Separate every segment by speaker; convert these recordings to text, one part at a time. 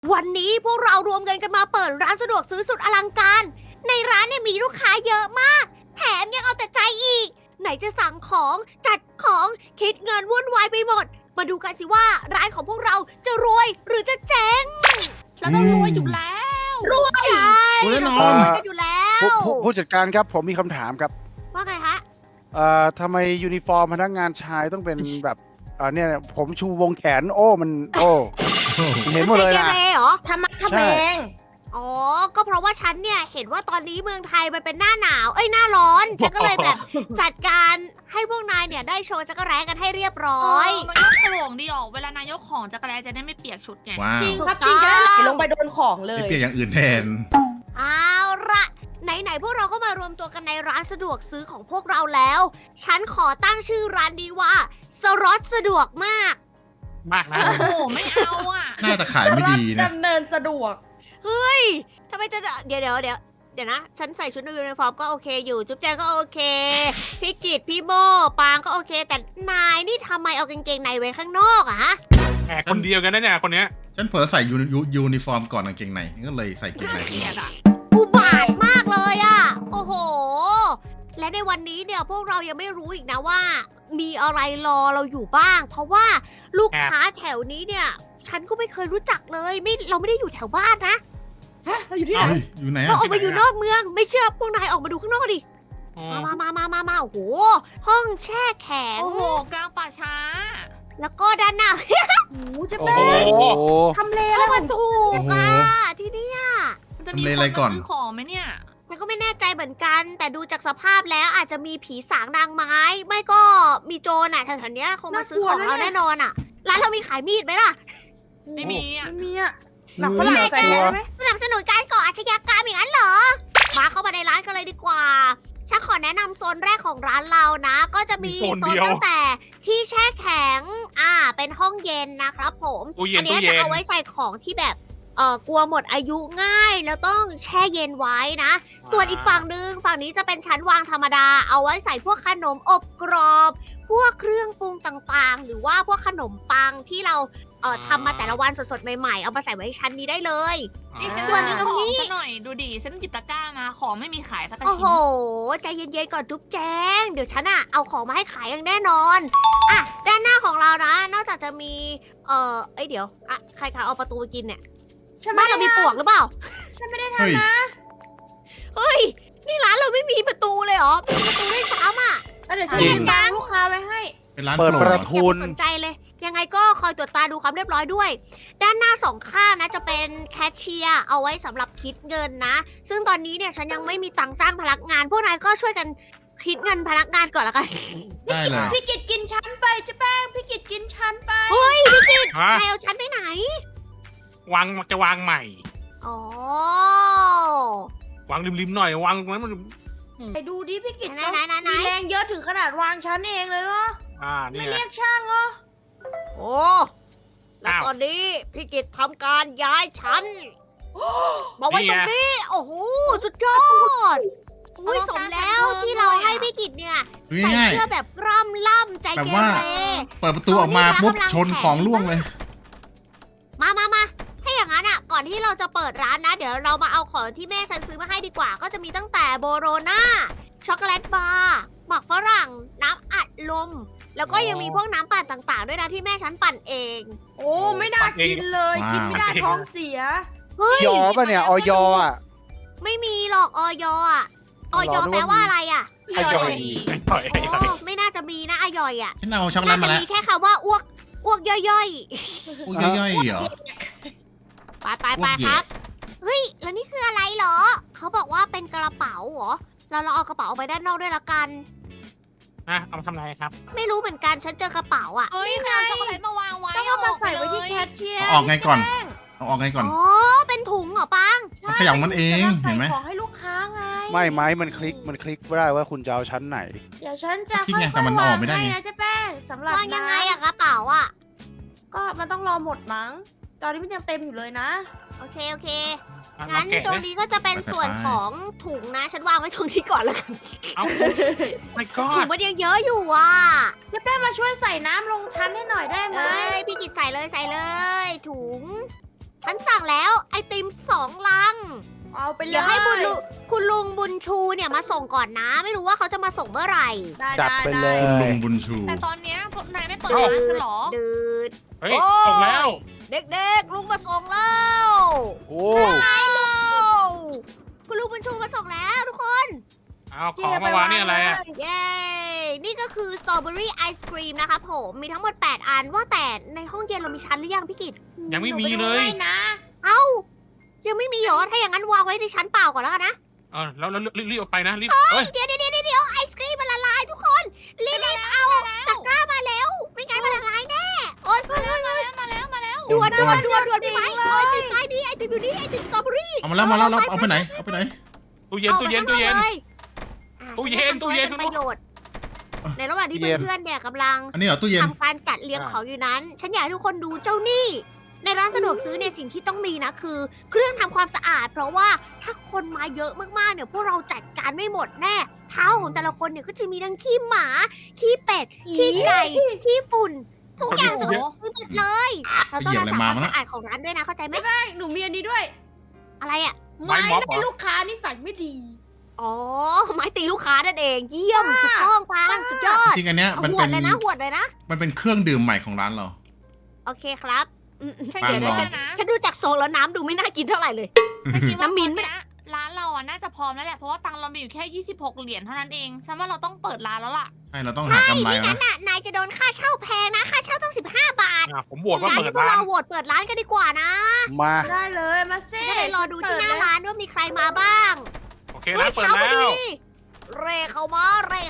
Speaker 1: วันนี้พวกเรารวมเงินกันมาเปิดร้านสะดวกซื้อสุดอลังการ ในร้านเนี่ยมีลูกค้าเยอะมาก แถมยังเอาแต่ใจอีก ไหนจะสั่งของจัดของคิดเงินวุ่นวายไปหมด มาดูกันสิว่าร้านของพวกเราจะรวยหรือจะเจ๊ง
Speaker 2: เราต้องรวยอยู่แล้ว
Speaker 1: รวยใช่
Speaker 3: รวยแน่นอน
Speaker 1: เรารวยกันอยู่แล้ว
Speaker 4: ผู้จัดการครับผมมีคำถามครับ
Speaker 1: ว่าไงฮะ
Speaker 4: ทำไมยูนิฟอร์มพนักงานชายต้องเป็นแบบเนี่ยผมชูวงแขนโอ้มันโอ้เห็นหมดเลย
Speaker 1: ใจ
Speaker 4: นะ
Speaker 1: เกเรเหรอ
Speaker 2: ทำมักทำ
Speaker 4: ใช่
Speaker 2: แมง
Speaker 1: อ๋อ ก็เพราะว่าฉันเนี่ยเห็นว่าตอนนี้เมืองไทยมันเป็นหน้าหนาว หน้าร้อน ฉันก็เลยแบบจัดการให้พวกนายเนี่ยได้โชว์จักรแร้กันให้เรียบร้อย
Speaker 2: มันก็โปร่งดีออกเวลานายกของจักรแลจะได้ไม่เปียกชุดไง
Speaker 3: ว้าว
Speaker 2: จริง
Speaker 1: ถูก
Speaker 2: ครับ
Speaker 1: ต้
Speaker 2: จ
Speaker 1: อง
Speaker 2: ริงจะได้ไหลลงไปโดนของเล
Speaker 3: ไม่
Speaker 2: ย
Speaker 3: เปลี่ยนอย่างอื่นแทน
Speaker 1: เอาละไหนๆพวกเราก็มารวมตัวกันในร้านสะดวกซื้อของพวกเราแล้ว ฉันขอตั้งชื่อร้านนี้ว่าสล็อตสะดวกมาก
Speaker 5: มากนะ
Speaker 2: โอ้โหไม่เอาอ่ะ
Speaker 3: น่าจะขายไม่ดีนะ
Speaker 2: ดำเนินสะดวก
Speaker 1: เฮ้ยทำไมจะเดี๋ยวนะ ฉันใส่ชุดยูนิฟอร์มก็โอเคอยู่ จุ๊บแจงก็โอเค พี่กิตพี่โบปางก็โอเค แต่นายนี่ทำไมเอากางเกงในไว้ข้างนอกอะฮะ
Speaker 5: แหมคนเดียวกันนะเนี่ยคนเนี้ย
Speaker 3: ฉันเผลอใส่ยูนิฟอร์มก่อนกางเกงในก็เลยใส่กางเกง
Speaker 2: น่า
Speaker 3: ใน
Speaker 2: เกลียดอ่ะ
Speaker 1: อุบาทมากเลยอะโอ้โห และในวันนี้เนี่ยพวกเรายังไม่รู้อีกนะว่า มีอะไรรอเราอยู่บ้าง เพราะว่าลูกค้าแถวนี้เนี่ย ฉันก็ไม่เคยรู้จักเลยเราไม่ได้อยู่แถวบ้านนะ
Speaker 2: ฮะ เราอยู่ที่ไหน
Speaker 3: เฮ้ยอยู่ไหน
Speaker 1: เรา
Speaker 3: อะ
Speaker 1: ออกมาอยู่นอกเมือง ไม่เชื่อพวกนายออกมาดูข้างนอกดิ
Speaker 5: อ๋อ
Speaker 1: มาโอ้โห ห้องแช่แข็ง
Speaker 2: โอ้โหกลางป่าช้า
Speaker 1: แล้วก็ด้านหน้า
Speaker 2: โอ้โหจะ
Speaker 4: โอ้
Speaker 2: แป้
Speaker 4: โห
Speaker 2: งทำเลอะไร
Speaker 1: ก็
Speaker 2: ข
Speaker 1: มั
Speaker 2: อน ง
Speaker 1: ถูกอ่ะที่เนี่ย
Speaker 2: มันจะมี
Speaker 3: ทำเล
Speaker 2: คน
Speaker 3: อะไรก่อ
Speaker 2: มาน ซื้อของไหมเนี่ย
Speaker 1: มันก็ไม่แน่ใจเหมือนกัน แต่ดูจากสภาพแล้วอาจจะมีผีสางนางไม้ ไม่ก็มีโจรอ่ะแถวๆเนี้ยคงมาซื้อของเราแน่นอนอ่ะ ร้านเรามีขายมีดไหมล่ะ
Speaker 2: ไม่มีอ่ะ
Speaker 6: ไม่มีอะหนั
Speaker 4: นั
Speaker 6: ก
Speaker 4: ก
Speaker 6: ฝ
Speaker 4: ฝ
Speaker 6: รั่
Speaker 4: รั่
Speaker 6: ง
Speaker 4: ง
Speaker 6: ใส่
Speaker 4: กลัว
Speaker 6: ได้ไหม
Speaker 1: สนับสนุนการก่ออาชญากรรมอย่างนั้นเหรอ มาเข้ามาในร้านกันเลยดีกว่า ฉันขอแนะนำโซนแรกของร้านเรานะ ก็จะมีโซนตั้งแต่ที่แช่แข็ง เป็นห้องเย็นนะครับผม
Speaker 5: ตู้เย็
Speaker 1: อั
Speaker 5: น
Speaker 1: เนี้
Speaker 5: ตู้
Speaker 1: ย
Speaker 5: เย็
Speaker 1: จะ
Speaker 5: น
Speaker 1: เอาไว้ใส่ของที่แบบ กลัวหมดอายุง่าย แล้วต้องแช่เย็นไว้นะ ส่วนอีกฝั่งนึง ฝั่งนี้จะเป็นชั้นวางธรรมดา เอาไว้ใส่พวกขนมอบกรอบ พวกเครื่องปรุงต่างๆ หรือว่าพวกขนมปังที่เราทำมาแต่ละวันสดๆใหม่ๆ เอามาใส่ไว้ชั้นนี้ได้เลย
Speaker 2: นี่ฉัน
Speaker 1: ส่วน
Speaker 2: ซื้อ
Speaker 1: ตรง
Speaker 2: ของ
Speaker 1: นี้
Speaker 2: ซะหน่อยดูดิฉันหยิบตะกร้ามาของไม่มีขายสักกระ
Speaker 1: โอ้
Speaker 2: ชิ้
Speaker 1: โห
Speaker 2: น
Speaker 1: ใจเย็นๆก่อนจุ๊บแจง เดี๋ยวฉันเอาของมาให้ขายอย่างแน่นอน ด้านหน้าของเรานะ นอกจากจะมี เดี๋ยวใครคะเอาประตูไปกินเนี่ย
Speaker 6: ฉัน
Speaker 1: บ้า
Speaker 6: ไม่
Speaker 1: น
Speaker 6: ได้
Speaker 1: เรามีปลวกหรือเปล่า
Speaker 6: ฉันไม่ได้
Speaker 3: เฮ้ย
Speaker 1: เฮ้ย นี่ร้านเราไม่มีประตูเลยเหรอไม่มีประตูด้วยซ้ำอ่ะ
Speaker 6: เดี๋ยวฉัน
Speaker 4: จริ
Speaker 6: จั
Speaker 4: ง
Speaker 6: ดการลูกค้าไว้ให้
Speaker 3: เป็นร้าน
Speaker 4: เปิด
Speaker 3: โป
Speaker 4: ป
Speaker 3: ร
Speaker 4: ระ
Speaker 3: ด
Speaker 4: ทุ
Speaker 1: อย่าไปสนใจเลย ยังไงก็คอยตรวจตาดูความเรียบร้อยด้วย ด้านหน้าสองข้างนะจะเป็นแคชเชียร์เอาไว้สำหรับคิดเงินนะ ซึ่งตอนนี้เนี่ยฉันยังไม่มีตังค์จ้างพนักงาน พวกนายก็ช่วยกันคิดเงินพนักงานก่อนละกัน
Speaker 3: ได้เลย
Speaker 6: พี่กิดกินชั้นไปเจ๊แป้งพี่กิดกินชั้นไป
Speaker 1: เฮ้ยพี่กิต
Speaker 5: ฮะ
Speaker 1: นายเอาฉันไปไหน
Speaker 5: วางจะวางใหม่
Speaker 1: อ๋อ
Speaker 5: วางริมๆหน่อยวางตรงนั้นมัน
Speaker 6: ไปดูดิพี่กิด
Speaker 1: ไหนไหน
Speaker 6: มีแรงเยอะถึงขนาดวางชั้นเองเลยเนาะ
Speaker 5: นี่
Speaker 6: ไม่
Speaker 5: ไง
Speaker 6: เรียกช่างเหรอ
Speaker 1: โอ้แล้วตอนนี้พี่กิตทำการย้ายชั้นมาไว้ตรงนี้ โอ้โห สุดยอดอุ้ยสมแล้วที่เราให้พี่กิตเนี่ย ใส่
Speaker 3: ง่าย
Speaker 1: เสื้อแบบกล้ำล่ำใจ
Speaker 3: แบบ
Speaker 1: เก
Speaker 3: ว่า
Speaker 1: เร
Speaker 3: ๆเปิดประตูออกมาปุ๊บชนของล่วงเลย
Speaker 1: มาถ้าอย่างนั้นก่อนที่เราจะเปิดร้านนะ เดี๋ยวเรามาเอาของที่แม่ฉันซื้อมาให้ดีกว่า ก็จะมีตั้งแต่โบโรนาช็อกโกแลตบาร์หมักฝรั่ง น้ำอัดลม แล้วก็ยังมีพวกน้ำปั่นต่างๆ ด้วยนะที่แม่ฉันปั่นเอง
Speaker 6: โอ้ไม่น่ากินเลย
Speaker 3: ว้าว
Speaker 6: กินไม่ได้ท้องเสีย
Speaker 1: เฮ้ย
Speaker 4: ยอป่ะเนี่ยออยอ่ะ
Speaker 1: ไม่มีหรอกออยอ่ะออย
Speaker 4: รอนึกว่า
Speaker 1: แปลว่าอะไรอ่ะ
Speaker 5: อร่อยอร่อย
Speaker 1: อ๋อไม่น่าจะมีนะออยอ่ะ
Speaker 3: ฉันเอาช็อกโกแล
Speaker 1: น่า
Speaker 3: ต
Speaker 1: จะ
Speaker 3: มาแล้ว
Speaker 1: มีแค่คำว่าอ้วกย่อย
Speaker 3: พวกย่อยๆเหรอ
Speaker 1: ๆ ไป
Speaker 3: อ้วกเห
Speaker 1: ค
Speaker 3: ยะ
Speaker 1: รับ เฮ้ย แล้วนี่คืออะไรเหรอ เขาบอกว่าเป็นกระเป๋าเหรอ เราเอากระเป๋าออกไปด้านนอกด้วยละกัน
Speaker 5: เอามาทำอะไรครับ
Speaker 1: ไม่รู้เหมือนกัน ฉันเจอกระเป๋าอ่ะ
Speaker 2: เฮ้ยใครเอาช็อกโกแลตมาวางไว้
Speaker 6: ต้องเอามาใส่ไว้ที่
Speaker 2: เลย
Speaker 6: แคชเชียร์
Speaker 3: เอาออกไงก่อน เอาออกไงก่อน
Speaker 1: อ๋อ เป็นถุงเหรอปัง
Speaker 3: มันขยับมันเองเห็นไหม
Speaker 6: ใส่ของให้ลูกค้าไง
Speaker 4: ไม่ไม้มันคลิกไม่ได้ว่าคุณจะเอาชั้นไหน
Speaker 6: เดี๋ยวฉันจะ
Speaker 3: คิด
Speaker 6: ค่
Speaker 3: ไง
Speaker 6: อย
Speaker 3: แต่มัน
Speaker 6: ๆ
Speaker 3: อ
Speaker 6: วา
Speaker 3: อก
Speaker 6: ง
Speaker 3: ไม่ได้
Speaker 6: ให้
Speaker 3: ไง
Speaker 6: นะเจ๊แป้งสำหรับ
Speaker 1: วางยังไง
Speaker 6: น้
Speaker 1: อะกระเป๋าอะ
Speaker 6: ำก็มันต้องรอหมดมั้ง ตอนนี้มันยังเต็มอยู่เลยนะ
Speaker 1: โอเค
Speaker 5: เอา
Speaker 1: งั้น
Speaker 5: แกะ
Speaker 1: ตรง
Speaker 5: เลย
Speaker 1: นี้ก็จะเป็นส่วนของถุงนะ ฉันวางไว้ตรงนี้ก่อนแล้วกัน
Speaker 5: เอาไม่ก็
Speaker 1: ถุงมันยังเยอะอยู่อ่ะ
Speaker 6: เจ๊แป้งมาช่วยใส่น้ำลงชั้นให้หน่อยได้ไหม
Speaker 1: เอ้ย พี่กิจใส่เลย ถุงฉันสั่งแล้วไอติม2 ลัง
Speaker 6: เอาไปเลย
Speaker 1: เดี๋ยวให้คุณลุงบุญชูเนี่ยมาส่งก่อนนะ ไม่รู้ว่าเขาจะมาส่งเมื่อไหร่
Speaker 6: ได้
Speaker 4: จัดไปเลย
Speaker 3: คุณลุงบุญชู
Speaker 2: แต่ตอนเนี้ยพวกนายไม่เปิดร้านกันเหรอ
Speaker 1: ดืด
Speaker 5: เฮ้ยส่งแล้ว
Speaker 1: เด็กๆ ลุงมาส่งแล้ว
Speaker 4: โอ้
Speaker 1: คุณลุงบุญชูมาส่งแล้วทุกคน
Speaker 5: เอาของมาวางนี่อะไรอ่ะ
Speaker 1: เย้ นี่ก็คือสตรอเบอรี่ไอศครีมนะคะผม มีทั้งหมด 8 อัน ว่าแต่ในห้องเย็นเรามีชั้นหรือยังพี่กิต
Speaker 5: ยังไม่มีเลย
Speaker 6: หนูไปดูให้นะ
Speaker 1: เอ้า ยังไม่มีเหรอ ถ้าอย่างนั้นวางไว้ในชั้นเปล่าก่อนแล้วกันนะ
Speaker 5: เออแล้วรีบออกไปนะรีบเอ้ย
Speaker 1: เดี๋ยวไอศครีมมันละลายทุกคน รีบเอาตะกร้ามาแล้ว ไม่งั้นมันละลายแน่ โอ๊ยเพื่อน
Speaker 2: มาแล้ว
Speaker 1: ด่วนพี่ไม้โอ๊ยติดไม้นี่ไอติมอยู่นี่ไอติมสตรอเบอรี่
Speaker 3: เอามาแล้วเอาไปไหน เอาไปไหน
Speaker 5: ตู้เย็น
Speaker 1: ตู้เย็น
Speaker 5: ตู้เย็น
Speaker 1: เป็นประโยชน์ ในระหว่างที่เพื่อนๆเนี่ยกำลัง
Speaker 3: อันนี้เหรอตู้เย็น
Speaker 1: ทำการจัดเรียงของอยู่นั้น ฉันอยากให้ทุกคนดูเจ้านี่ ในร้านสะดวกซื้อเนี่ยสิ่งที่ต้องมีนะคือ เครื่องทำความสะอาด เพราะว่าถ้าคนมาเยอะมากๆเนี่ยพวกเราจัดการไม่หมดแน่ เท้าของแต่ละคนเนี่ยก็จะมีทั้งขี้หมา ขี้เป็ด ขี้ไก่ ขี้ฝุ่น ทุกอย่างสกปรกไปหมดเลย เราต้องรักษาความสะอาดของร้านด้วยนะเข้าใจไหม
Speaker 6: ใช่หนูมีอันนี้ด้วย
Speaker 1: อะไรอ่ะ
Speaker 5: ไม้ม็อบเหรอ
Speaker 6: ให้ลูกค้านิสัยไม่ดี
Speaker 1: อ๋อไม้ตีลูกค้านั่นเอง เยี่ยมถูกต้องฟังสุดยอด
Speaker 3: จริงๆอันเนี้ย
Speaker 1: เอา
Speaker 3: มัน
Speaker 1: หว
Speaker 3: เป็
Speaker 1: ด
Speaker 3: น
Speaker 1: เลยนะหวดเลยนะ
Speaker 3: มันเป็นเครื่องดื่มใหม่ของร้านเรา
Speaker 1: โอเคครับ
Speaker 2: ฉัน
Speaker 3: ปัง
Speaker 2: คิด
Speaker 3: ลอง
Speaker 2: ว่านะ
Speaker 1: ฉันดูจากทรงแล้วน้ำดูไม่น่ากินเท่าไหร่เลย
Speaker 2: ฉันคิดว่า
Speaker 1: น้ำมิ้นท์
Speaker 2: ตอร้านเราอ่ะน่าจะพร้อมแล้วแหละ เพราะว่าตังค์เรามีอยู่แค่26 เหรียญเท่านั้นเอง ฉันว่าเราต้องเปิดร้านแล้วล่ะ
Speaker 3: ใช่ เราต้องหากำไร
Speaker 1: ไม่
Speaker 3: แล้ว
Speaker 1: งั้
Speaker 3: นะ
Speaker 1: นน่ะนายจะโดนค่าเช่าแพงนะ ค่าเช่าต้อง15 บาท
Speaker 5: ผมโหวตว่า
Speaker 1: งั้น
Speaker 5: เปิด
Speaker 1: พวก
Speaker 5: ร้าน
Speaker 1: เราโหวตเปิดร้านกันดีกว่านะ
Speaker 4: มา
Speaker 6: ได้เลยมาเซ่
Speaker 1: จะได้รอดูที่หน้าร้านว่ามีใครมาบ้าง
Speaker 5: โอเคร้านเปิด
Speaker 1: ช้าพ
Speaker 5: แล้
Speaker 1: อ
Speaker 5: ว
Speaker 1: เร่เข้ามา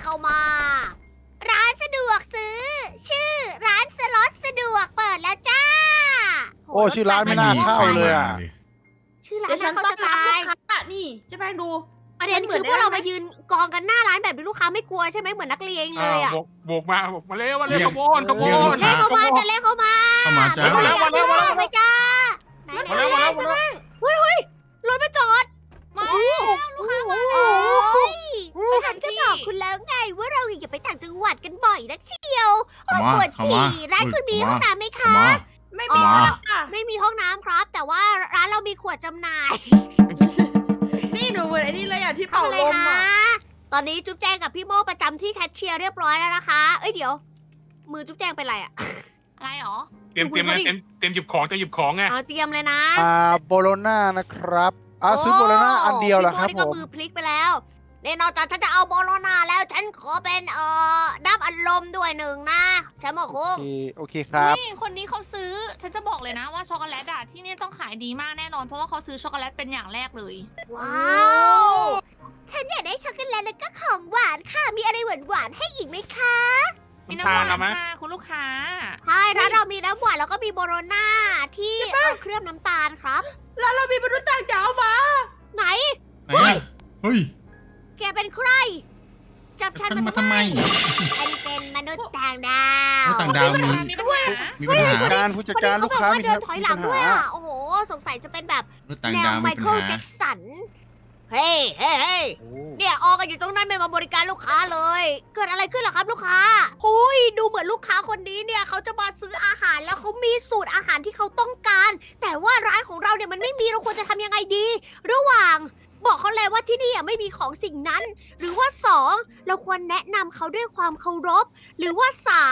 Speaker 1: ร้านสะดวกซื้อ ชื่อร้านสล็อตสะดวกเปิดแล้วจ้า
Speaker 4: โอ้ชื่อร้านไม่น่าเข้าเลยอ่ะ
Speaker 1: ชื่อร้าน
Speaker 6: เดี๋ยวฉัน
Speaker 1: เข้า
Speaker 6: ต้อน
Speaker 1: จะ
Speaker 6: รับ
Speaker 1: ตาย
Speaker 6: ลูกค้านี่เจะแพงดู
Speaker 1: ประเด็นคือพวกเรามายืนกองกันหน้าร้านแบบนี้ลูกค้าไม่กลัวใช่ไหมเหมือนนักเรียนเลยอ่ะ
Speaker 5: โบกมาเร็วขบวน
Speaker 1: เล่เข้ามาจะเล่เข้ามา
Speaker 3: เข้ามาจ้า
Speaker 5: มาแล้ว
Speaker 1: ไปจ้าไหน
Speaker 5: มาแล้ว
Speaker 1: รถมาจอด
Speaker 2: มาแล้วลูกค้ามา
Speaker 1: โอ้ยฉันก็บอกคุณแล้วไงว่าเราอย่าไปต่างจังหวัดกันบ่อยนักเชียวโอ้ยปวดฉี่ร้านคุณมีห้องน้ำไหมคะ
Speaker 6: ไม่มี
Speaker 3: มา
Speaker 6: ค่ะ
Speaker 1: ไม่มีห้องน้ำครับ แต่ว่าร้านเรามีขวดจำหน่าย
Speaker 6: นี่หนูเหมือนไอ้นี่เลยอ่ะที่
Speaker 1: เข้า
Speaker 6: เป่า
Speaker 1: มาเล
Speaker 6: ล
Speaker 1: ย
Speaker 6: ม
Speaker 1: ค่ะ
Speaker 6: อ่ะ
Speaker 1: ตอนนี้จุ๊บแจงกับพี่โมประจำที่แคชเชียร์เรียบร้อยแล้วนะคะ เอ้ยเดี๋ยว มือจุ๊บแจงเป็นไรอ่ะ
Speaker 2: อะไรหรอ
Speaker 5: เตรียมหยิบของจะหยิบของไง
Speaker 1: เตรียมเลยนะ
Speaker 4: โบโลน่านะครับซื้อโบโลน่าอันเดียวเหรอครับ
Speaker 1: พี่
Speaker 4: ผ
Speaker 1: โนี่ก็
Speaker 4: ม
Speaker 1: มือพลิกไปแล้วเนี่ยนอกจากฉันจะเอาโบโลนาแล้วฉันขอเป็นน้ำอัดลมด้วยหนึ่งนะแชมป์คุก
Speaker 4: โอเคครับ
Speaker 2: นี่คนนี้เขาซื้อ ฉันจะบอกเลยนะว่าช็อกโกแลตอะที่นี่ต้องขายดีมากแน่นอน เพราะว่าเขาซื้อช็อกโกแลตเป็นอย่างแรกเลย
Speaker 1: ว้าวฉันอยากได้ช็อกโกแลตแล้วก็ของหวานค่ะ มีอะไรหวานๆให้อีกไหมคะ
Speaker 2: มีน้ำหวานค่ะคุณลูกค้า
Speaker 1: ใช่ร้านเรามีน้ำหวานแล้วก็มีโบโลนาที่เคลือบน้ำตาลครับ
Speaker 6: แล้วเรามีมนุษย์ต่างดาวมา
Speaker 1: ไหน
Speaker 3: ไหนอะเฮ้ย
Speaker 1: แกเป็นใคร จับฉัน
Speaker 3: มา
Speaker 1: มา
Speaker 3: ทำไม
Speaker 1: ฉันเป็นมนุษย์ต่างดาว
Speaker 3: ต่างดาวมี
Speaker 2: มีปัญหา
Speaker 3: มีปัญหา
Speaker 4: ผู้จัดการ
Speaker 1: คนนี้
Speaker 4: ลูกค้า
Speaker 1: เข
Speaker 4: มี
Speaker 1: บอกว่าเดินถอยหลังด้วยอ่ะ โอ้โห สงสัยจะเป็นแบบ
Speaker 3: รถต่าง
Speaker 1: แน
Speaker 3: ดาว ว
Speaker 1: ไม
Speaker 3: มีปัญ
Speaker 1: เคิล
Speaker 3: หา
Speaker 1: แจ็คสัน เฮ้ยเนี่ยออกันอยู่ตรงนั้นไม่มาบริการลูกค้าเลย เกิดอะไรขึ้นเหรอครับลูกค้าหุยดูเหมือนลูกค้าคนนี้เนี่ยเขาจะมาซื้ออาหารแล้วเขามีสูตรอาหารที่เขาต้องการ แต่ว่าร้านของเราเนี่ยมันไม่มีเราควรจะทำยังไงดี ระหว่างบอกเขาเลยว่าที่นี่ไม่มีของสิ่งนั้น หรือว่า2เราควรแนะนำเขาด้วยความเคารพ หรือว่า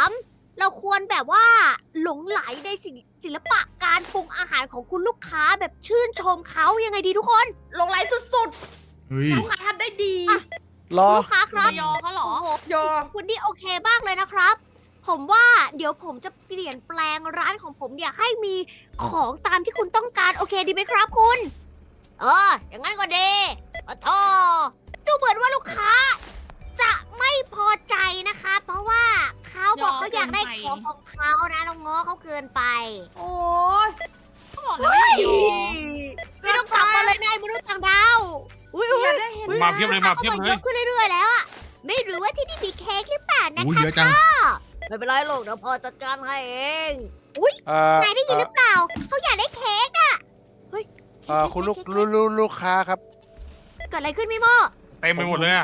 Speaker 1: 3เราควรแบบว่าหลงไหลในศิลปะการปรุงอาหารของคุณลูกค้าแบบชื่นชมเขายังไงดีทุกคน
Speaker 6: ลงไหลสุด
Speaker 3: เฮ้ย
Speaker 6: ๆ ลูกค้าทำได้ดี
Speaker 4: รอ
Speaker 1: ลูกค้าครับ
Speaker 2: จะยอเขาเหรอ
Speaker 1: โอ้โห
Speaker 6: ยอ
Speaker 1: คุณนี่โอเคมากเลยนะครับ ผมว่าเดี๋ยวผมจะเปลี่ยนแปลงร้านของผมเนี่ยให้มีของตามที่คุณต้องการโอเคดีไหมครับคุณ อย่างนั้นก็ดีขอโทษดูเหมือนว่าลูกค้า จะไม่พอใจนะคะ เพราะว่าเขาบอกเขาอยากได้ของของเขานะเราง้อเขาเกินไป
Speaker 6: โอ้ย
Speaker 2: เขาบอกแล้วว่าอย่ายอ
Speaker 1: ไม่ต้องกลับมาเลยนายมนุษย์ต่างดาวอุ้ย
Speaker 6: อยากได้เห็น
Speaker 5: มาเพียบเลย
Speaker 1: เยอะขึ้นเรื่อยๆแล้วอะไม่รู้ว่าที่นี่มีเค้กหรือเปล่านะ
Speaker 3: อุ้ย
Speaker 1: คะ
Speaker 3: เยอะจัง
Speaker 1: ไม่เป็นไรหรอกเดี๋ยวพอจัดการให้เอง นายได้ยินหรือเปล่า เขาอยากได้เค้กน่ะ เฮ้ยเค้ก
Speaker 4: คุณ
Speaker 1: เค้กเค้ก
Speaker 4: ลูกค้าครับ
Speaker 1: เกิดอะไรขึ้นพี่โม
Speaker 5: เต็มไปหมดเลยอ่ะ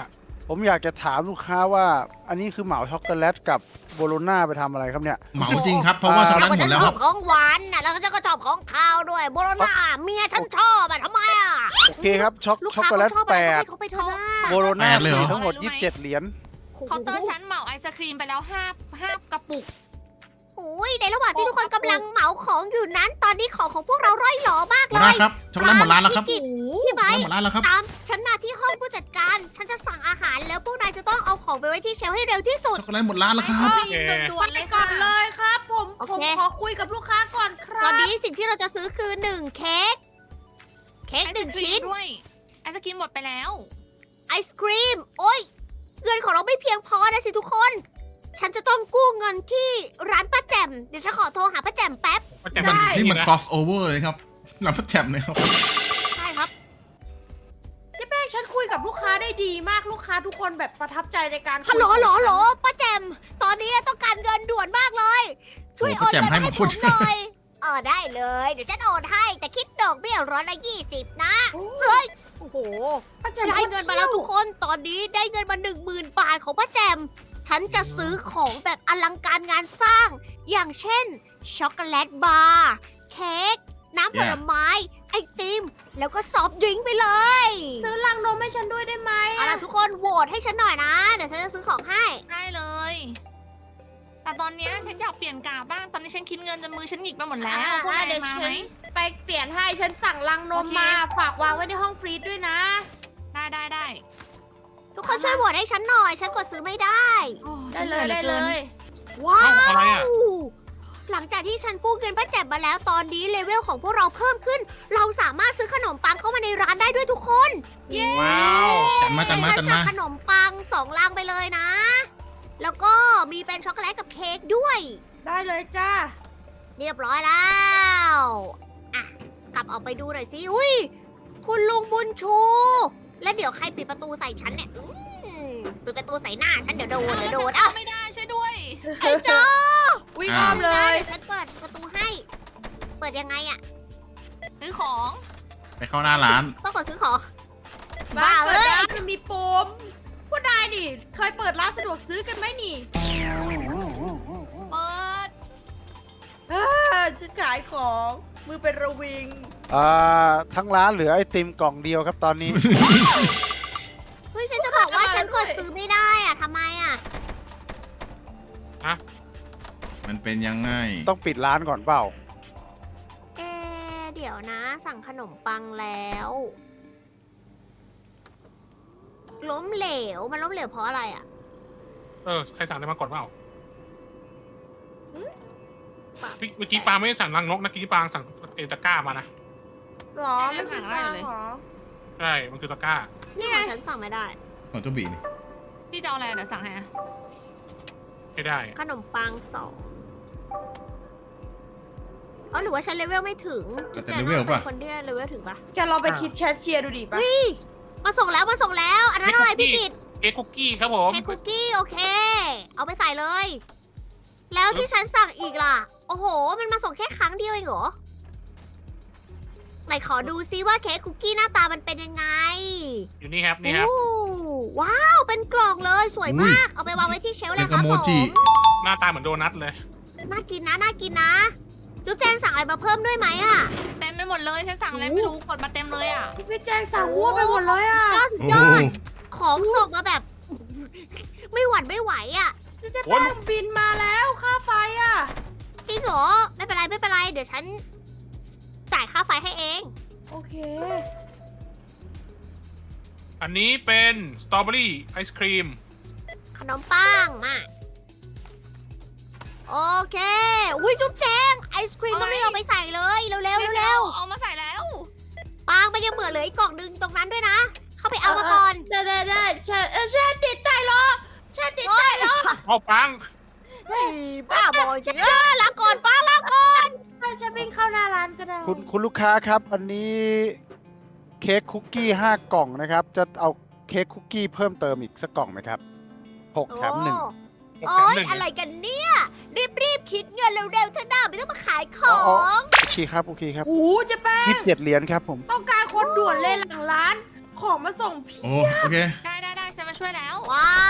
Speaker 4: ผมอยากจะถามลูกค้าว่าอันนี้คือเหมาช็อกโกแลตกับโบโลน่าไปทำอะไรครับเนี่ย
Speaker 3: เหมาจริงครับ เพราะว่าช็อกโกแลตหมดแล้วครับ
Speaker 1: ของหวานน่ะแล้วก็ชอบของคาวด้วยโบโลน่าเมียฉันชอบอะทำไมอะ
Speaker 4: โอเคครับช็อก
Speaker 1: ลูก
Speaker 4: ช็อก
Speaker 1: ค้า
Speaker 4: โกแลต
Speaker 1: เขาชอบอะไร
Speaker 4: 8
Speaker 1: ให้เขาไปเถอะนะ
Speaker 4: โบโลน่า
Speaker 3: แปดเลยเหรอ
Speaker 4: 4ทั้งหมด
Speaker 2: รู้ไหม
Speaker 4: 27 เหรียญ
Speaker 2: เคาน์เตอร์ชั้นเหมาไอศครีมไปแล้วห้ากระปุก
Speaker 1: โอ้ยในระหว่างที่ทุกคนกำลังเหมาของอยู่นั้น ตอนนี้ของพวกเราร่อยหรอมาก
Speaker 3: หั
Speaker 1: เล
Speaker 3: วหน้าย ครับช็อกโกแลตหมดร้านแล้วครับ
Speaker 1: พี่
Speaker 3: ช็
Speaker 1: กิตพี่
Speaker 3: อก
Speaker 1: ไบ
Speaker 3: โกแลตหมดร้านแล้วครับ
Speaker 1: ตามฉันมาที่ห้องผู้จัดการ ฉันจะสั่งอาหารแล้วพวกนายจะต้องเอาของไปไว้ที่เชลฟ์ให้เร็วที่สุด
Speaker 3: ช็อกโกแลตหมดร้านแล้วครับ
Speaker 2: ไอศครีมด่วนๆ
Speaker 6: ไป
Speaker 2: เลย
Speaker 6: ก่
Speaker 2: ค่ะ
Speaker 6: อนเลยครับ ผม
Speaker 1: โอ
Speaker 6: ผม
Speaker 1: เค
Speaker 6: ขอคุยกับลูกค้าก่อนค
Speaker 1: ต
Speaker 6: รั
Speaker 1: อบ นนี้สิ่งที่เราจะซื้อคือ1เค้กเค้ก
Speaker 2: ไอ
Speaker 1: ห
Speaker 2: ศ
Speaker 1: นึ่ง
Speaker 2: ครี
Speaker 1: ชิ้
Speaker 2: ม
Speaker 1: น
Speaker 2: ด้วยไอศครีมหมดไปแล้ว
Speaker 1: ไอศครีม โอ้ยเงินของเราไม่เพียงพอนะสิทุกคน ฉันจะต้องกู้เงินที่ร้านป้าแจ่มเดี๋ยวฉันขอโทรหาป้าแจ่มแป๊บ
Speaker 5: ก็จะ
Speaker 3: มัน
Speaker 5: ได้
Speaker 3: นี่มัน
Speaker 5: ะ
Speaker 3: cross over เลยครับร้านประแจมเลยครับ
Speaker 1: ใช่ครับ
Speaker 6: เจ๊แป้งฉันคุยกับลูกค้าได้ดีมากลูกค้าทุกคนแบบประทับใจในการคุย
Speaker 1: ฮัลโหล
Speaker 6: กับ
Speaker 1: ฮัลโหล
Speaker 6: ฉัน
Speaker 1: ฮัลโหลป้าแจม ตอนนี้ต้องการเงินด่วนมากเลย ช่วยโอนเงินให้ผมหน่อย ได้เลย เดี๋ยวฉันโอนให้ แต่คิดดอกเบี้ย120นะ เอ้ย โอ้โห
Speaker 6: ป้าแจ่ม
Speaker 1: ได้เงินมาแล้วทุกคน ตอนนี้ได้เงินมา10,000 บาทของป้าแจม ฉันจะซื้อของแบบอลังการงานสร้าง อย่างเช่น ช็อกโกแลตบาร์ เค้ก น้ำผลไม้ ไอติม แล้วก็ซอฟต์ดริงก์ไปเลย
Speaker 6: ซื้อลังนมให้ฉันด้วยได้ไหม
Speaker 1: เอาล่ะทุกคนโหวตให้ฉันหน่อยนะ เดี๋ยวฉันจะซื้อของให้
Speaker 2: ได้เลย แต่ตอนเนี้ยฉันอยากเปลี่ยนกาบ้าง ตอนนี้ฉันคิดเงินจนมือฉันหงิกไปหมดแล้วพวกนาย
Speaker 6: เดี๋ยว
Speaker 2: มา
Speaker 6: ฉั
Speaker 2: ไหม
Speaker 6: นไปเปลี่ยนให้ฉันสั่งลังนม
Speaker 2: โอเค
Speaker 6: มา ฝากวางไว้ในห้องฟรีซด้วยนะ
Speaker 2: ได้
Speaker 1: ทุกคนช่วยโหวตให้ฉันหน่อย ฉันกดซื้อไม่ได้
Speaker 2: โอ้
Speaker 6: ได้เลยได้เลย
Speaker 1: ว้า
Speaker 5: เอ้าอะไรอ่ะ
Speaker 1: ว หลังจากที่ฉันกู้เงินป้าแจ่มมาแล้ว ตอนนี้เลเวลของพวกเราเพิ่มขึ้น เราสามารถซื้อขนมปังเข้ามาในร้านได้ด้วยทุกคน
Speaker 2: เย้
Speaker 5: ว้าว
Speaker 3: จัดมาจัดมา
Speaker 1: ฉั
Speaker 3: จัด
Speaker 1: นสั่
Speaker 3: มา
Speaker 1: งขนมปัง2ลังไปเลยนะ แล้วก็มีเป็นช็อกโกแลตกับเค้กด้วย
Speaker 6: ได้เลยจ้า
Speaker 1: เรียบร้อยแล้ว อ่ะ กลับออกไปดูหน่อยสิ อุ้ย คุณลุงบุญชู และเดี๋ยวใครปิดประตูใส่ฉันเนี่ยปิดประตูใส่หน้าฉันเดี๋ยวโดน
Speaker 2: แล้ว
Speaker 1: เดี๋ยวโดน
Speaker 2: ฉั
Speaker 1: เอ้า
Speaker 2: เข้าไม่ได้ช่วยด้วย
Speaker 1: ไอ้เจ้า
Speaker 6: วิ่งอ้อมเลย
Speaker 1: เดี๋ยวฉันเปิดประตูให้ เปิดยังไงอะ
Speaker 2: ซื้อของ
Speaker 3: ไปเข้าหน้าร้าน
Speaker 1: ต้องกดซื้อของ
Speaker 6: บ้า
Speaker 1: บ้า
Speaker 6: เล
Speaker 1: เอ้
Speaker 6: ย
Speaker 1: ย
Speaker 6: มันมีปุ่มผู้นายดิเคยเปิดร้านสะดวกซื้อกันไหมนี่
Speaker 2: เปิด
Speaker 6: ฉันขายของมือเป็นระวิง
Speaker 4: ทั้งร้านเหลือไอติมกล่องเดียวครับตอนนี้
Speaker 1: เฮ้ย ฉันจะบอกว่าฉันกดซื้อไม่ได้อะทำไมอะ
Speaker 3: มันเป็นยังไง
Speaker 4: ต้องปิดร้านก่อนเปล่า
Speaker 1: เดี๋ยวนะ สั่งขนมปังแล้ว ล้มเหลว มันล้มเหลวเพราะอะไรอะ
Speaker 5: ใครสั่งอะไรมาก่อนเปล่าเมื่อกี้ปาไม่ได้สั่งรังนกนะเมื่อกี้ปาสั่งเอตะกร้ามานะ
Speaker 6: หรอไม่ใช่ปลาหรอ
Speaker 5: ใช่มันคือตะกร้า
Speaker 1: นี่ของฉันสั่งไม่ได้
Speaker 3: ของเจ้าบีนี่
Speaker 2: พี่จะเอาอะไรเดี๋ยวสั่งให้อะ
Speaker 5: ไม่ได้
Speaker 1: ขนมปังหรือว่าฉันเลเวลไม่ถึง
Speaker 3: แต่เลเวลป่ะ
Speaker 1: เป็นคนที่เลเวลถึงปะ
Speaker 6: แกลองไปคิดแชทเชียร์ดูดิปะ
Speaker 1: มาส่งแล้ว อันนั้นอะไรพี่กิต
Speaker 5: เค้กคุกกี้ครับผม
Speaker 1: เค้กคุกกี้โอเค เอาไปใส่เลย แล้วที่ฉันสั่งอีกล่ะ โอ้โห มันมาส่งแค่ครั้งเดียวเองเหรอ ไหนขอดูซิว่าเค้กคุกกี้หน้าตามันเป็นยังไง
Speaker 5: อยู่นี่ครับนี่ครับ
Speaker 1: โอ้ว้าว เป็นกล่องเลย สวยมาก เอาไปวางไว้ที่เชลฟ์เล
Speaker 3: เด็
Speaker 1: ย
Speaker 3: ก
Speaker 1: ค
Speaker 3: กั
Speaker 1: รั
Speaker 3: บบ โม
Speaker 1: ผม
Speaker 3: จิ
Speaker 5: หน้าตาเหมือนโดนัทเลย
Speaker 1: น่ากินนะ จุ๊บแจงสั่งอะไรมาเพิ่มด้วยไหมอะ
Speaker 2: เต็มไปหมดเลยฉันสั่งอะไรไม่รู้กดมาเต็มเลยอ่ะ
Speaker 6: พี่แจงสั่งวัวไปหมดเลยอ่ะ
Speaker 1: ยอด
Speaker 3: โอ้
Speaker 1: ย
Speaker 3: โห
Speaker 1: อดของส่งมาแบบ ไม่หวั่นไม่ไหวอ่ะ
Speaker 6: เจ๊แป้งบินมาแล้วค่าไฟอ่ะ
Speaker 1: จริงเหรอ ไม่เป็นไร เดี๋ยวฉันจ่ายค่าไฟให้เอง
Speaker 6: โอเค
Speaker 5: อันนี้เป็นสตรอเบอรี่ไอศครีม
Speaker 1: ขนมปังมา โอเค อุ้ยจุ๊บแจงไอศครีมต้องรีบเอาไปใส่เลยเร็วๆเร็ว
Speaker 2: เอามาใส่แล้ว
Speaker 1: ๆปังมันยังเหลืออีกกล่องนึงตรงนั้นด้วยนะ เข้าไปเอามาก่อน
Speaker 6: ได้ฉันติดใจเหรอฉันติดใจเหรอ
Speaker 5: เอาปัง
Speaker 1: เฮ้ยบ้าบอจริงลาก่อนป้าลาก่อน
Speaker 6: ฉันวิ่งเข้าหน้าร้านก็ได้
Speaker 4: คุณลูกค้าครับ อันนี้เค้กคุกกี้5 กล่องนะครับ จะเอาเค้กคุกกี้เพิ่มเติมอีกสักกล่องไหมครับ6 แถม 1
Speaker 1: โอ้ยอะไรกันเนี่ย รีบคิดเงินเร็วๆเถอะนะไม่ต้องมาขายของ
Speaker 4: โอเคครับ โอเคครับ
Speaker 6: โอ้โหเจ๊แป้ง
Speaker 4: 27 เหรียญครับผม
Speaker 6: ต้องการคนด่วนเลยหลังร้าน ของมาส่งพี่
Speaker 3: โอ้โอเค
Speaker 2: ได้ฉันมาช่วยแล้ว
Speaker 1: ว้าว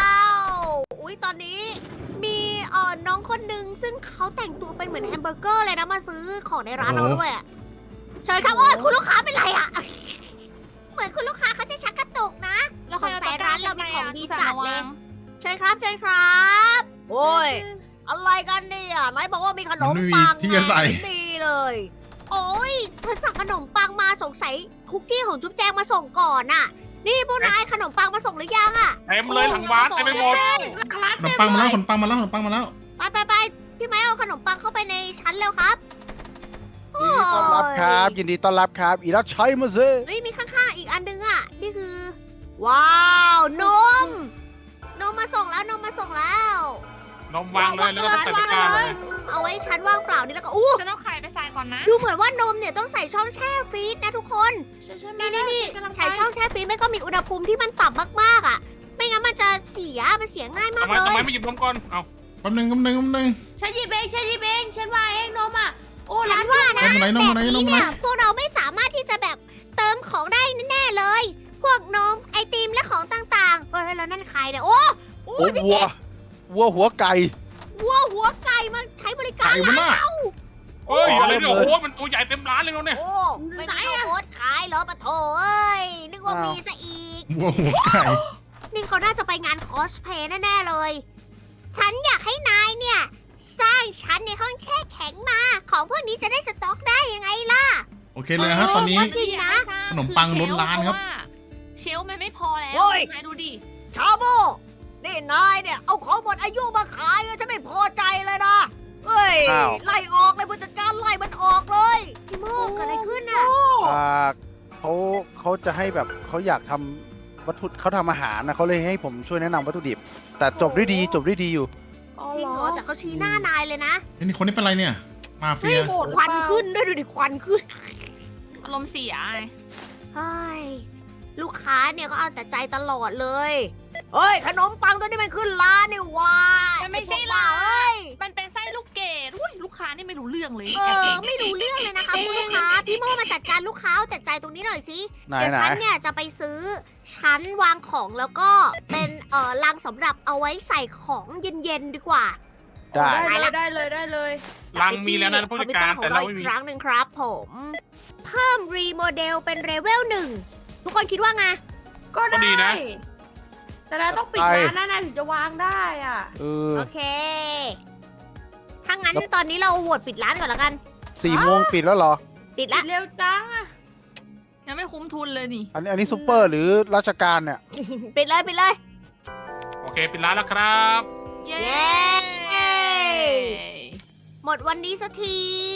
Speaker 1: อุ๊ย ตอนนี้มีน้องคนหนึ่งซึ่งเขาแต่งตัวเป็นเหมือนแฮมเบอร์เกอร์เลยนะมาซื้อของในร้านเราด้วยอะเชิญครับโอ้ยคุณลูกค้าเป็นไรอะเหมือนคุณลูกค้าเขาจะชักกระตุกนะ
Speaker 2: แล้วใครเอา
Speaker 1: สงสั
Speaker 2: ตะ
Speaker 1: ย
Speaker 2: กร้า
Speaker 1: ร้านเรามีของดีจัดเลย
Speaker 2: ง
Speaker 1: เชิญครับเชิญครับ โอ้ย อะไรกันเนี่ยนายบอกว่ามีขนมปัง
Speaker 3: มันไม่มีที่จะใส่
Speaker 1: ไงดีเลย โอ้ยฉันสั่งขนมปังมาสงสัยคุกกี้ของจุ๊บแจงมาส่งก่อนน่ะ นี่พวกนายขนมปังมาส่งหรือยังอะ
Speaker 5: เต็มเลยหลังบ้านเต็มไปหมด
Speaker 6: ร้าน
Speaker 3: ขน
Speaker 6: เต็
Speaker 3: ม
Speaker 6: ม
Speaker 3: ปังมา
Speaker 6: เล
Speaker 3: แล้ว
Speaker 6: ย
Speaker 3: ขนมปังมาแล้วขนมปังมาแล้ว
Speaker 1: ไปพี่ไม้เอาขนมปังเข้าไปในชั้นเร็วครับ
Speaker 4: ยินดีต้อนรับครับ ยินดีต้อนรับครับ อีรัชชัยมาเซ
Speaker 1: เฮ้ยมีข้างๆอีกอันนึงอ่ะ นี่คือ ว้าว นม นมมาส่งแล้วนมมาส่งแล้ว
Speaker 5: นมวางเลยแล้วก็ใส่ตะกร้าเลย
Speaker 1: เอาไว้ชั้นว่างเปล่านี่แล้วก็อู้
Speaker 2: ฉันเอาไข่ไปใส่ก่อนนะ
Speaker 1: ดูเหมือนว่านมเนี่ยต้องใส่ช่องแช่ฟรีซนะทุกคน นี่ใส่ช่องแช่ฟรีซไม่ก็มีอุณหภูมิที่มันต่ำมากๆอ่ะ ไม่งั้นมันจะเสียง่ายมาก
Speaker 5: ทำไม
Speaker 1: เล
Speaker 5: ทำไม
Speaker 1: ย
Speaker 5: ไม่หยิบนมก่อน เอา
Speaker 3: แป๊บนึง
Speaker 6: ฉันหยิบเองฉันว่าเองนมอ่ะ โอ้
Speaker 1: ฉั
Speaker 6: ร้าน
Speaker 1: นว่านะ
Speaker 3: นมไหนนมไหน
Speaker 1: แบบ
Speaker 3: นม
Speaker 1: นี้
Speaker 3: ไหน
Speaker 1: เนี่ยพวกเราไม่สามารถที่จะแบบเติมของได้แน่ๆเลย พวกนมไอติมและของต่างๆเฮ้ยแล้วนั่นใครเนี่ยโอ้
Speaker 4: โอ้วัวหัวไก่
Speaker 1: วัวหัวไก่มาใช้บริการ
Speaker 3: ไก่มันน่ะ
Speaker 5: เฮ้ย อะไรเนี่ย
Speaker 4: โอ้
Speaker 5: โอ้
Speaker 4: โห
Speaker 5: โหมันตัวใหญ่เต็มร้านเลยเนาะเนี่ย
Speaker 1: โอ้ไม่มีข้าวโพดขายเหรอปะโถเอ้ยนึกว่ามีซะอีก
Speaker 3: วัวหัวไก่
Speaker 1: นี่เขาน่าจะไปงานคอสเพลย์แน่ๆเลย ฉันอยากให้นายเนี่ย สร้างชั้นในห้องแช่แข็งมา ของพวกนี้จะได้สต็อกได้ยังไงล่ะ
Speaker 3: โอเคเลยนะครับตอนนี้
Speaker 1: จริงนะ
Speaker 3: ขนมปังล้นร้านครับ
Speaker 2: เชลฟ์มันไม่พอแล้ว
Speaker 1: โอ้ย
Speaker 2: นายดูดิ
Speaker 1: ชาโมนี่นายเนี่ยเอาของหมดอายุมาขายอะฉันไม่พอใจเลยนะเฮ้ย
Speaker 4: อ้าว
Speaker 1: ไล่ออกเลยผู้จัดการไล่มันออกเลยพี่โมกเกิดอะไรขึ้นน่ะ
Speaker 4: เขาจะให้แบบเขาอยากทำวัตถุเขาทำอาหารนะเขาเลยให้ผมช่วยแนะนำวัตถุดิบ แต่จบด้วยดีอยู่
Speaker 1: จริงเหรอแต่เขาชี้หน้านายเลยนะ
Speaker 3: เฮ้ยนี่คนนี้เป็นไรเนี่ย มาเฟี
Speaker 1: เฮ้ย
Speaker 3: ย
Speaker 1: ควันขึ้นด้วยดูดิควันขึ้น
Speaker 2: อารมณ์เสียไง
Speaker 1: เฮ้ยลูกค้าเนี่ยก็เอาแต่ใจตลอดเลยเฮ้ยขนมปังตัวนี้มันขึ้นร้านนี่หว่า
Speaker 2: มันไม่ใช่
Speaker 1: อ้พวก
Speaker 2: ร้า
Speaker 1: บ้าน เอ้ย
Speaker 2: มันเป็นไส้ลูกเกดอุ้ยลูกค้านี่ไม่รู้เรื่องเลย
Speaker 1: เอ
Speaker 2: แอบ
Speaker 1: อ
Speaker 2: เก่ง
Speaker 1: ไม่รู้เรื่องเลยนะคะคุณลูกค้าพี่โมมาจัดการลูกค้าเอาแต่ใจตรงนี้หน่อยสิ
Speaker 4: ๆไหน
Speaker 1: เดี๋ยว
Speaker 4: ไหน
Speaker 1: ฉันเนี่ยจะไปซื้อชั้นวางของแล้วก็เป็นลังสำหรับเอาไว้ใส่ของเย็นๆดีกว่า
Speaker 4: ได้
Speaker 6: ได้เลย
Speaker 5: รังมีแล้วนะผู้จัดการแต่เราไม่
Speaker 1: อี
Speaker 5: มี
Speaker 1: กครั้งหนึ่งครับผม เพิ่มรีโมเดลเป็นเลเวล1ทุกคนคิดว่าไง
Speaker 6: ก็
Speaker 5: ก็ดีนะ
Speaker 6: แต่เราต้องปิดร้านนะถึงจะวางได้อ่ะ
Speaker 1: โอเค ถ้างั้นตอนนี้เราโหวตปิดร้านก่อนแล้วกัน
Speaker 4: 4 โมงปิดแล้วเหรอ
Speaker 1: ปิด
Speaker 6: ปิ
Speaker 1: ละ
Speaker 6: ดเร็วจังอ่ะ
Speaker 2: ยังไม่คุ้มทุนเลยนี่
Speaker 4: อันนี้ซูเปอร์หรือราชการเนี่ย
Speaker 1: ปิดเลย
Speaker 5: โอเคปิดร้านแล้วครับ
Speaker 2: เย้
Speaker 1: เย้ หมดวันนี้สักที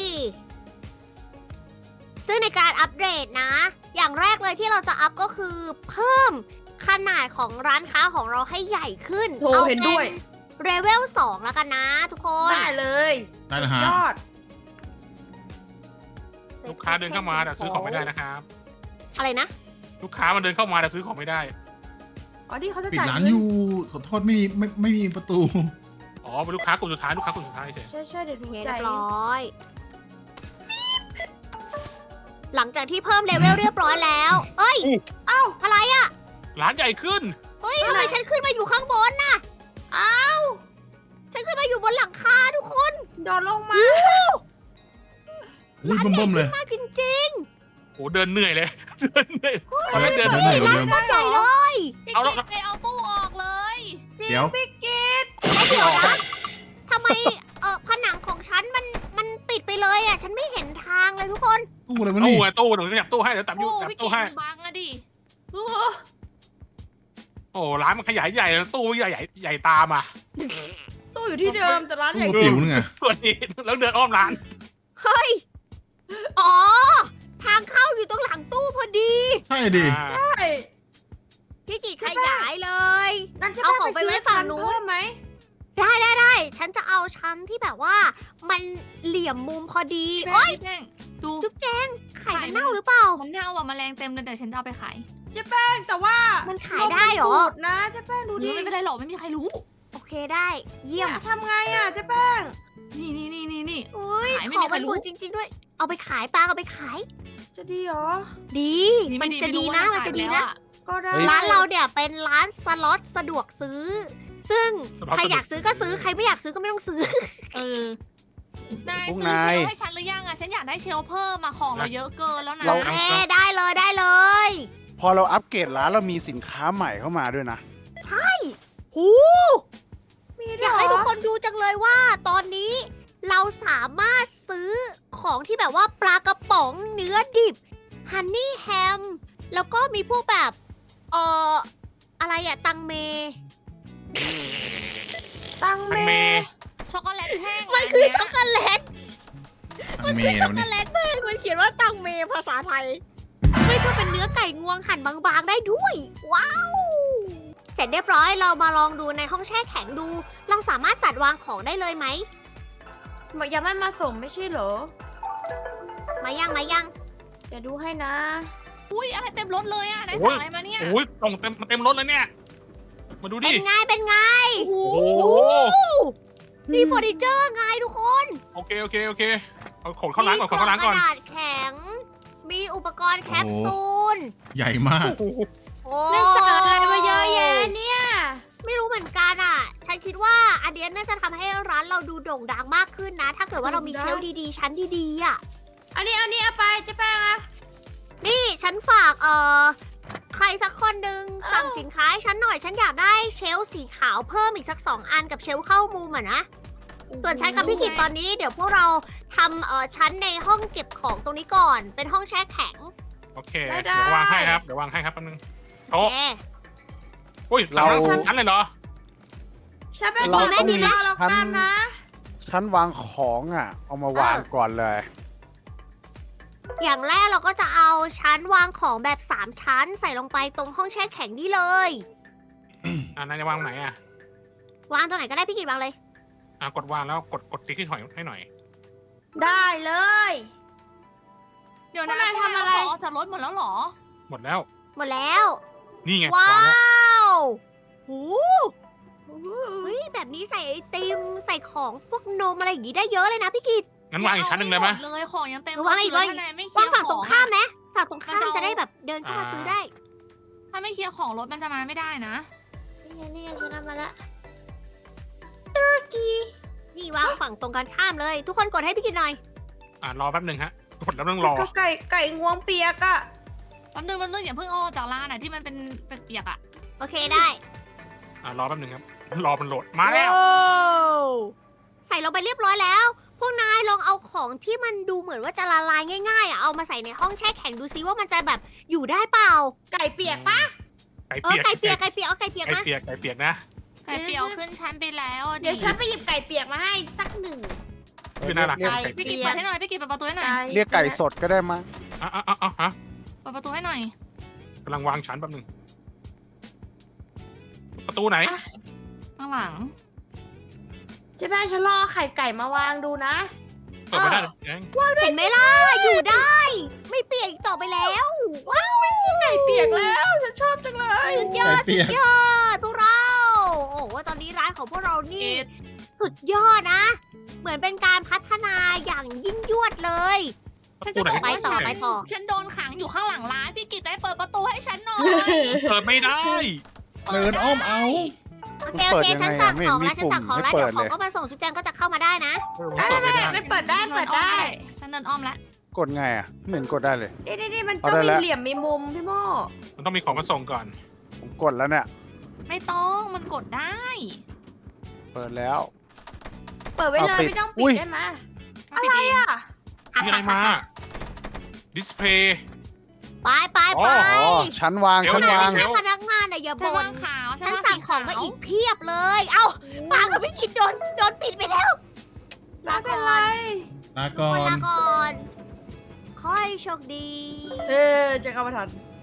Speaker 1: ซึ่งในการอัปเดตนะ อย่างแรกเลยที่เราจะอัพก็คือเพิ่มขนาดของร้านค้าของเราให้ใหญ่ขึ้น
Speaker 6: โหเห็นด้วย
Speaker 1: เลเวล2แล้วกันนะทุกคน
Speaker 6: ได้เลย
Speaker 3: ได้เลยฮะ
Speaker 6: ยอด
Speaker 5: ลูกค้าเดินเข้ามาแต่ซื้อของไม่ได้นะครับ
Speaker 1: อะไรนะ
Speaker 5: ลูกค้ามันเดินเข้ามาแต่ซื้อของไม่ได้
Speaker 6: อ๋อนี่เขาจะ
Speaker 3: ปิด
Speaker 6: จ่าย
Speaker 3: ร้าน
Speaker 6: เงิ
Speaker 3: อน ยู่ขอโทษไม่มีประตู
Speaker 5: อ๋อเป็นลูกค้ากลุ่มสุดท้ายลูกค้ากลุ่มสุดท้ายเฉย
Speaker 6: ใช่เดี๋ยว
Speaker 1: โอ
Speaker 6: ดู
Speaker 1: เค
Speaker 6: ใจ
Speaker 1: เรียบร้อย หลังจากที่เพิ่มเลเวลเรียบร้อยแล้ว เอ้ย
Speaker 6: เอ้า
Speaker 1: อะไรอ่ะ
Speaker 5: ร้านใหญ่ขึ้น
Speaker 1: เฮ้ยทำไมฉันขึ้นมาอยู่ข้างบนน่ะ
Speaker 6: อ้าว
Speaker 1: ฉันขึ้นมาอยู่บนหลังคาทุกคน
Speaker 6: โดนลงมา
Speaker 3: อุ้ยเบิ่มๆเลย
Speaker 1: มากจริง
Speaker 5: โอ้เดินเหนื่อยเลย เดินเหนื่อยตอนแรกเดิน
Speaker 3: เดินเหนื่อยกว่าเดิม
Speaker 1: ๆใหญ่เลย
Speaker 2: พี่
Speaker 5: เอาแล้ว
Speaker 2: กิ๊กไปเอาตู้ออกเลย
Speaker 6: จริง
Speaker 3: เดี๋ยว
Speaker 6: พี่กิ๊ด
Speaker 1: แล้วเดี๋ยวนะทำไมผนังของฉันมันปิดไปเลยอ่ะ ฉันไม่เห็นทางเลยทุกคน
Speaker 3: ตู้อะไรวะ
Speaker 5: ตู้
Speaker 3: นี่
Speaker 5: อะตู้หนูจะจับตู้ให้เดี๋ยวจับ
Speaker 2: โอ้
Speaker 5: จับ
Speaker 2: พี่
Speaker 5: ตู้
Speaker 2: กิ๊ก
Speaker 5: ให้
Speaker 2: มันบังอะดิ
Speaker 5: โอ้ร้านมันขยายใหญ่เลยตู้ใหญ่ใหญ่ตามอ่ะ
Speaker 6: ตู้อยู่ที่เดิมแต่ร้านใหญ่
Speaker 3: ตู้ปิ๋วนี่ไง
Speaker 5: ตัวนี้แล้วเดินอ้อมร้าน
Speaker 1: เฮ้ย อ๋อ ทางเข้าอยู่ตรงหลังตู้พอดี
Speaker 3: ใช่ดิ
Speaker 5: อ่า
Speaker 6: ใช่
Speaker 1: พี่กิจขยายเลย
Speaker 6: งั้นจะ
Speaker 1: เอาของไปไว้ฝั่งนู้น
Speaker 6: เพิ่มไหม
Speaker 1: ได้ ฉันจะเอาชั้นที่แบบว่า มันเหลี่ยมมุมพอดี
Speaker 2: พี่
Speaker 1: โอ๊ย
Speaker 2: แจ้งดู
Speaker 1: จุ๊บแจงไข่
Speaker 2: ไข่
Speaker 1: มัน
Speaker 2: มัน
Speaker 1: เน่าหรือเปล่า
Speaker 2: มันเน่าอ่ะแมลงเต็มเลยแต่ฉันจะเอาไปขาย
Speaker 6: เจ๊แป้งแต่ว่า
Speaker 1: มั
Speaker 6: มัน
Speaker 1: ขายได้เหรอ
Speaker 6: นะเจ๊แป้งดูดิ
Speaker 2: ไม่เป็นไรหรอกไม่มีใครรู้
Speaker 1: โอเคได้ เยี่ยม
Speaker 6: ทำไงอ่ะเจ๊แป้ง
Speaker 2: นี่
Speaker 1: อุ้ย
Speaker 2: ขายไม่
Speaker 1: ข
Speaker 2: มี
Speaker 1: อง
Speaker 2: ใคร
Speaker 1: มัน
Speaker 2: รู้
Speaker 1: บูดจริง ๆ ด้วย เอาไปขายปลาเอาไปขาย
Speaker 6: จะดีเหรอ
Speaker 1: ดี มันจะดีนะ มันจะดีนะ
Speaker 2: ก
Speaker 6: ก็ได้
Speaker 1: ร้านเราเนี่ยเป็นร้านสล็อตสะดวกซื้อ ซึ่ง
Speaker 5: สล็อต
Speaker 1: ใครอยากซื้อก็ซื้อ ใครไม่อยากซื้อก็ไม่ต้องซื้อ
Speaker 2: เออนาย
Speaker 4: พวก
Speaker 2: ซื้อเช
Speaker 4: นาย
Speaker 2: ลฟ์ให้ฉันหรือยังอะฉันอยากได้เชลฟ์เพิ่มมาของเราเยอะเกินแล้วนะ
Speaker 4: เรา
Speaker 1: เอ้ได้เลยได้เลย
Speaker 4: พอเราอัปเกรดร้านเรามีสินค้าใหม่เข้ามาด้วยนะ
Speaker 1: หู
Speaker 6: มี
Speaker 1: อ
Speaker 6: ด้วย
Speaker 1: ยาก
Speaker 6: เหร
Speaker 1: ให้ทุก
Speaker 6: อ
Speaker 1: คนดูจังเลยว่า ตอนนี้เราสามารถซื้อของที่แบบว่าปลากระป๋องเนื้อดิบฮันนี่แฮมแล้วก็มีพวกแบบอะไรอะตังเม
Speaker 6: ตัง
Speaker 5: มัน
Speaker 6: เม
Speaker 5: เม
Speaker 2: ช็อกโกแลตแห้ง
Speaker 1: มันคือช็อกโกแลต
Speaker 3: อันเมย์
Speaker 1: ช็
Speaker 3: นะ
Speaker 1: อก
Speaker 3: วัน
Speaker 1: โก
Speaker 3: นี้
Speaker 1: แลตแม่งมันเขียนว่าตังเมภาษาไทยไม่ก็เป็นเนื้อไก่งวงหั่นบางๆได้ด้วย ว้าว เสร็จเรียบร้อยเรามาลองดูในห้องแช่แข็งดู เราสามารถจัดวางของได้เลยไหม
Speaker 6: ยังไม่มาส่งไม่ใช่เหรอ
Speaker 1: มายังมายัง
Speaker 6: เดี๋ยวดูให้นะ
Speaker 2: อุ้ยอะไรเต็มรถเลยอะนาย
Speaker 5: โอ้
Speaker 2: สั่
Speaker 5: ย
Speaker 2: งอะไรมาเนี่ย
Speaker 5: โอ้ยตรงเต็มรถเลยเนี่ย มาดู
Speaker 1: เป็
Speaker 5: ดิ
Speaker 1: นไงเป็นไง
Speaker 5: โอ้
Speaker 1: โอ้
Speaker 5: โห
Speaker 1: โหนี่เฟอร์นิเจอร์ไงทุกคน
Speaker 5: โอเคเอาขนเข้าร้านก่อนขนเข้าร้านก่อน
Speaker 1: มีกล่องกระดาษแข็ง มีอุปกรณ์แคปซูล
Speaker 3: ใหญ่มาก
Speaker 5: โอ้โห
Speaker 1: โอ้
Speaker 6: นั่นสั่งอะไรมาเยอะแยะเนี่ย
Speaker 1: ไม่รู้เหมือนกันอ่ะ ฉันคิดว่าอันเนี้ยน่าจะทำให้ร้านเราดูโด่งดังมากขึ้นนะ ถ้าเกิดว่าเรามีเชลฟ์ดีๆ ชั้นดีๆอ่ะ
Speaker 6: อันนี้เอาไปเจ๊แป้งอะ
Speaker 1: นี่ฉันฝากใครสักคนหนึ่งสั่งสินค้าให้ฉันหน่อย ฉันอยากได้เชลฟ์สีขาวเพิ่มอีกสัก2 อันกับเชลฟ์เข้ามุมอ่ะนะ ส่วนฉันกับพี่กิตตอนนี้เดี๋ยวพวกเราทำชั้นในห้องเก็บของตรงนี้ก่อน เป็นห้องแช่แข็ง
Speaker 5: โอเคเดี๋ยววางให้ครับแป๊บนึงโต๊ะ
Speaker 1: แหม
Speaker 5: อุ้ยเราสองชั้นเลยเหรอ
Speaker 6: ฉันเป็น
Speaker 4: เรา
Speaker 6: คน
Speaker 4: ต้องมี
Speaker 6: ดีมากแล้วกันนะ
Speaker 4: ชั้นวางของอ่ะ เอามาวางก่อนเลย
Speaker 1: อย่างแรกเราก็จะเอาชั้นวางของแบบ 3 ชั้น ใส่ลงไปตรงห้องแช่แข็งนี่เลย
Speaker 5: นายจะวางไหนอ่ะ
Speaker 1: วางตรงไหนก็ได้พี่กิตวางเลย
Speaker 5: กดวางแล้วกดติ๊กให้ถอยให้หน่อย
Speaker 6: ได้เลย
Speaker 2: เดี๋ยว
Speaker 6: พวก
Speaker 2: นะ
Speaker 6: นายทำอะไร
Speaker 2: ขอจากรถหมดแล้วเหรอ
Speaker 5: หมดแล้ว
Speaker 1: หมดแล้ว
Speaker 5: นี่ไง
Speaker 1: ว้าว
Speaker 5: างแล้ว
Speaker 1: วหูเฮ้ยแบบนี้ใส่ไอติมใส่ของพวกนมอะไรอย่างงี้ได้เยอะเลยนะพี่กิต
Speaker 5: งั้นวางอีกชั้นหนึ่งเลยไหม
Speaker 2: อาเลยของยังเต็ม
Speaker 1: วางอีก
Speaker 2: รถ
Speaker 1: วาง
Speaker 2: ยู่
Speaker 1: อีก
Speaker 2: ถ้นายไม่เคลี
Speaker 1: วาย ง
Speaker 2: ร์
Speaker 1: ฝั่งตรงข้ามไหมฝั่งตรงข้าม
Speaker 2: มันจะเอา
Speaker 1: จะได้แบบเดินเข้ามาซื้อได้
Speaker 2: ถ้าไม่เคลียร์ของรถมันจะมาไม่ได้นะ
Speaker 6: นี่ไงฉันเอามาละ
Speaker 1: นี่วางฝั่งตรงกันข้ามเลย ทุกคนกดให้พี่กิตหน่อย
Speaker 5: รอแป๊บนึงฮะกดแล้วต้องรอ
Speaker 6: ก็ไก่งวงเปียกอะ
Speaker 2: แป๊บนึงอย่าเพิ่งเอาออกจากร้านอะที่มันเป็นเปียกๆอะ
Speaker 1: โอเคได้
Speaker 5: รอแป๊บนึงครับรอมันโหลดมาแล้ว
Speaker 1: ว้าวใส่ลงไปเรียบร้อยแล้ว พวกนายลองเอาของที่มันดูเหมือนว่าจะละลายง่ายๆอ่ะเอามาใส่ในห้องแช่แข็งดูซิว่ามันจะแบบอยู่ได้เปล่า
Speaker 6: ไก่เปียกปะ
Speaker 5: ไก่
Speaker 1: ไก่
Speaker 5: เปียก
Speaker 1: ไก่เปียกเอาไก่เปียก
Speaker 5: ไก่
Speaker 1: มา
Speaker 5: เปียกไก่เปียกนะ
Speaker 2: ไข่เปียวขึ้นชั้นไปแล้วอะ
Speaker 6: เดี๋ยวฉันไปหยิบไก่เปียกมาให้สักหนึ่ง
Speaker 5: คือน่ารัก
Speaker 4: เรียก
Speaker 5: ไก่
Speaker 2: พี่กิจเปิดให้หน่อยพี่กิจเปิดประตูให้หน่อย
Speaker 4: เรียกไก่สดก็ได้มั้ง
Speaker 5: ฮะ
Speaker 2: เปิดประตูให้หน่อย
Speaker 5: กำลังวางชั้นแป๊บนึงประตูไหน
Speaker 2: ข้างหลัง
Speaker 6: เจ๊แป้งฉันรอไข่ไก่มาวางดูนะ
Speaker 5: เปิดไม่ได้แอง
Speaker 1: เห็นไหมล่ะอยู่ได้ ไม่เปียกอีกต่อไปแล้วว้าว
Speaker 6: ไก่เปียกแล้วฉันชอบจังเลย
Speaker 1: สุดยอดสุดยอดพวกเราโอ้โหตอนนี้ร้านของพวกเรานี่ สุดยอดนะ เหมือนเป็นการพัฒนาอย่างยิ่งยวดเลย
Speaker 2: ฉันจะบอก
Speaker 1: ไป
Speaker 2: ว่า
Speaker 1: ต่อ
Speaker 2: ฉัน
Speaker 1: ไปต่อ
Speaker 2: ฉันโดนขังอยู่ข้างหลังร้านพี่กิจได้เปิดประตูให้ฉันหน่อย
Speaker 5: เปิดไม่ได้
Speaker 3: เดินอ้อมเอา
Speaker 1: โอเคโอเคฉันสั่งของแล้วฉันสั่งของแล้วเดี๋ยวของก็มาส่งจุ๊บแจงก็จะเข้ามาได้นะ
Speaker 6: ได้
Speaker 5: เปิดไม่ได้
Speaker 6: ไม่เปิดได้เปิดได้
Speaker 2: ฉันเดินอ้อมแล้ว
Speaker 4: กดไงอ่ะไม่เห็นกดได้เลย
Speaker 6: นี่มัน
Speaker 4: เอา
Speaker 6: ก็
Speaker 4: ได้
Speaker 6: มี
Speaker 4: แล้ว
Speaker 6: เหลี่ยมมีมุมพี่โม่
Speaker 5: มันต้องมีของมาส่งก่อน
Speaker 4: ผมกดแล้วเนี่ย
Speaker 2: ไม่ต้องมันกดได้
Speaker 4: เปิดแล้ว
Speaker 6: เปิดไว้เลย
Speaker 4: เอาปิด
Speaker 6: ไม่ต้อง
Speaker 4: อุ๊
Speaker 6: ปิด
Speaker 4: ย
Speaker 6: ได้ไหม
Speaker 2: อะไรอะ
Speaker 5: มีอะไรมา ดิสเพย์
Speaker 1: ไปไปไป
Speaker 4: อ๋อ ชั้นวาง
Speaker 5: เดี๋ยว
Speaker 4: ชั้น
Speaker 1: ขนาด
Speaker 4: วาง
Speaker 1: เป็นแค่พนักงานอะอย่า
Speaker 2: ฉัน
Speaker 1: บ่
Speaker 2: ว่าน งขาว
Speaker 1: ฉันสั่งของมาอีกเพียบเลย เอ้าปางกับพี่กิจโดนปิดไปแล้ว
Speaker 6: ไม่เป็นไร
Speaker 3: ลาก่อ
Speaker 1: ลาน ก่อน ค่อยโชคดี
Speaker 6: จะเข้ามาทัน